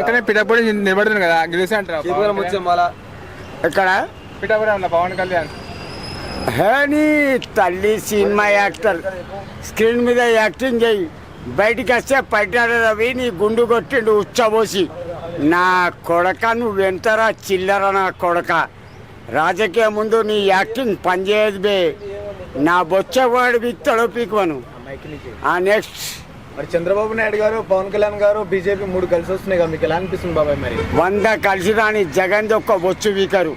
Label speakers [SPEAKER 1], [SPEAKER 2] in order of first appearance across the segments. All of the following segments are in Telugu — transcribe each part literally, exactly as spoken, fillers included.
[SPEAKER 1] కళ్యాణ్ పిఠాపురం నిలబడుతుంది కదా గెలిచి అంటారు.
[SPEAKER 2] ఎక్కడ
[SPEAKER 1] పిఠాపురం పవన్ కళ్యాణ్
[SPEAKER 2] హేని తల్లి సినిమా యాక్టర్ స్క్రీన్ మీద యాక్టింగ్ చేయి, బయటికి వస్తే పట్టాడ రవి నీ గుండు కొట్టిండు ఉచ్చబోసి. నా కొడక నువ్వెంతరా చిల్లర నా కొడక. రాజకీయ ముందు నీ యాక్టింగ్ పనిచేయదు బే. నా బొచ్చవాడు విత్తడు పీకువను. నెక్స్ట్
[SPEAKER 3] మరి చంద్రబాబు నాయుడు గారు పవన్ కళ్యాణ్ గారు బీజేపీ మూడు కలిసి వస్తున్నాయి కదా, మీకు ఎలా అనిపిస్తుంది బాబాయ్? మరి
[SPEAKER 2] వంద కలిసి రాని జగన్ ఒక్క బొచ్చు వీకరు.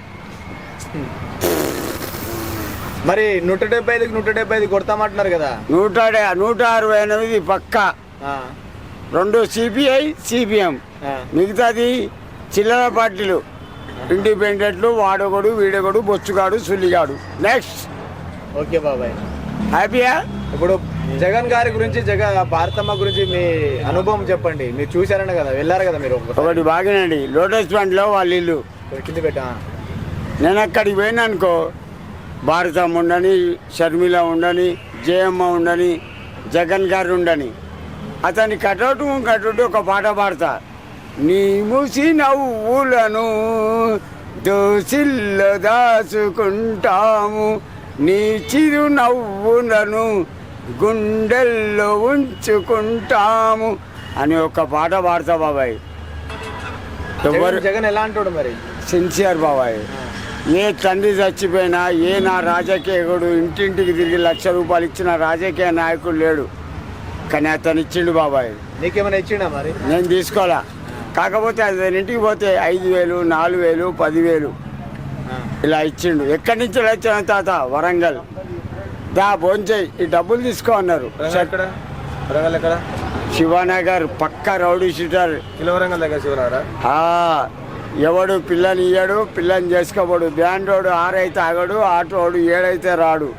[SPEAKER 3] మరి నూట డెబ్బై ఐదుకి నూట డెబ్బై ఐదు కొడతామంటున్నారు కదా.
[SPEAKER 2] నూట నూట అరవై ఎనిమిది పక్క, రెండు సిపిఐ సిపిఎం, మిగతాది చిల్లర పార్టీలు, ఇండిపెండెంట్లు, వాడొకడు వీడొకడు బొచ్చుగాడు సుల్లిగాడు. నెక్స్ట్
[SPEAKER 3] ఓకే బాబాయ్,
[SPEAKER 2] హ్యాపీయా?
[SPEAKER 3] ఇప్పుడు జగన్ గారి గురించి, జగన్ భారతమ్మ గురించి మీ అనుభవం చెప్పండి. మీరు చూసారనే కదా, వెళ్ళారు కదా మీరు.
[SPEAKER 2] ఒకటి బాగానండి, లోటస్ పండ్లో వాళ్ళ ఇల్లు
[SPEAKER 3] కింద పెట్టా.
[SPEAKER 2] నేను అక్కడికి పోయినా అనుకో, భారతమ్మ ఉండని, షర్మిల ఉండని, జయమ్మ ఉండని, జగన్ గారు ఉండని, అతని కటౌట్ కటౌట్ ఒక పాట పాడతా. నీ మూసి నవ్వులను దోసిల్లో దాచుకుంటాము, నీ చిరు నవ్వులను గుండెల్లో ఉంచుకుంటాము అని ఒక పాట పాడతా బాబాయ్. ఎవరు
[SPEAKER 3] జగన్ ఎలా అంటాడు మరి?
[SPEAKER 2] సిన్సియర్ బాబాయ్. ఏ తండ్రి చచ్చిపోయినా, ఏ నా రాజకీయకుడు ఇంటింటికి తిరిగి లక్ష రూపాయలు ఇచ్చిన రాజకీయ నాయకుడు లేడు, కానీ అతను ఇచ్చిండు బాబాయ్.
[SPEAKER 3] నీకేమైనా ఇచ్చిండా మరి?
[SPEAKER 2] నేను తీసుకోవాలా, కాకపోతే అతని ఇంటికి పోతే ఐదు వేలు నాలుగు వేలు పదివేలు ఇలా ఇచ్చిండు. ఎక్కడి నుంచి వచ్చిన తాత? వరంగల్. దా భోంచేయి, ఈ డబ్బులు తీసుకో అన్నారు.
[SPEAKER 3] వరంగల్ ఎక్కడ?
[SPEAKER 2] శివానగర్ పక్క రౌడీ షీటర్.
[SPEAKER 3] వరంగల్ దగ్గర శివనగరా?
[SPEAKER 2] ఎవడు పిల్లని ఇయ్యడు, పిల్లని చేసుకోబడు. బ్యాండోడు ఆరైతే ఆగడు, ఆటోడు ఏడైతే రాడు.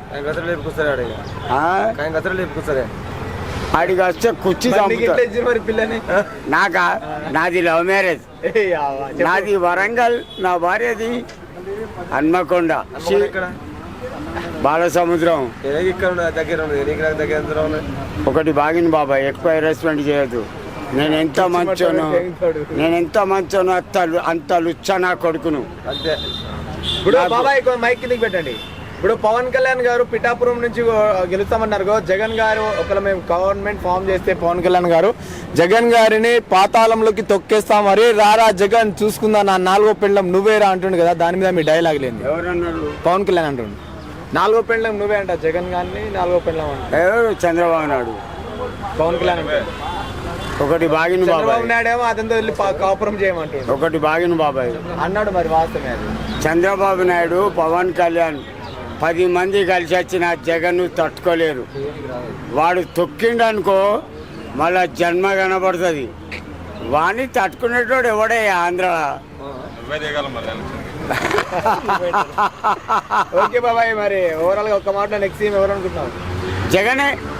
[SPEAKER 2] ఆడికి వస్తే కుర్చీ
[SPEAKER 3] పిల్లని.
[SPEAKER 2] నాకా? నాది లవ్ మ్యారేజ్. నాది వరంగల్, నా భార్యది హన్మకొండ బాలసముద్రం. ఒకటి బాగిన బాబాయ్, ఎక్కువ హెరాస్మెంట్ చేయొద్దు. నేను ఎంత మంచోను, నేను ఎంత మంచోను అంత అంత లుచ్చ నా కొడుకును.
[SPEAKER 3] ఇప్పుడు బాబాయ్ మైక్ కిందకి పెట్టండి. ఇప్పుడు పవన్ కళ్యాణ్ గారు పిఠాపురం నుంచి గెలుస్తామన్నారు. జగన్ గారు ఒకవేళ మేము గవర్నమెంట్ ఫామ్ చేస్తే పవన్ కళ్యాణ్ గారు జగన్ గారిని పాతాళంలోకి తొక్కేస్తాం, మరి రారా జగన్ చూసుకుందా నా నాలుగో పెండ్లం నువ్వేరా అంటుండు కదా, దాని మీద మీ డైలాగ్ లేదు.
[SPEAKER 2] ఎవరన్నారు?
[SPEAKER 3] పవన్ కళ్యాణ్ అంటుండు నాలుగో పెండ్లం నువ్వే అంట, జగన్ గారిని నాలుగో పెండ్లం అంట.
[SPEAKER 2] ఎవరు? చంద్రబాబు నాయుడు.
[SPEAKER 3] పవన్ కళ్యాణ్
[SPEAKER 2] ఒకటి బాగిన
[SPEAKER 3] చంద్రబాబు నాయుడు ఏమో అతనితో వెళ్ళి కాపురం చేయమంటాడు.
[SPEAKER 2] ఒకటి బాగిన బాబాయ్
[SPEAKER 3] అన్నాడు. మరి వాస్తవమే అది.
[SPEAKER 2] చంద్రబాబు నాయుడు పవన్ కళ్యాణ్ పది మంది కలిసి వచ్చిన జగన్ తట్టుకోలేరు. వాడు తొక్కిండు అనుకో మళ్ళా జన్మ కనబడుతుంది. వాడిని తట్టుకునేటోడు ఎవడే ఆంధ్ర.
[SPEAKER 3] ఓకే బాబాయ్, మరి ఓవరాల్ గా ఒక్క మాట నెక్స్ట్ సీఎం ఎవరు అనుకుంటున్నావు?
[SPEAKER 2] జగనే.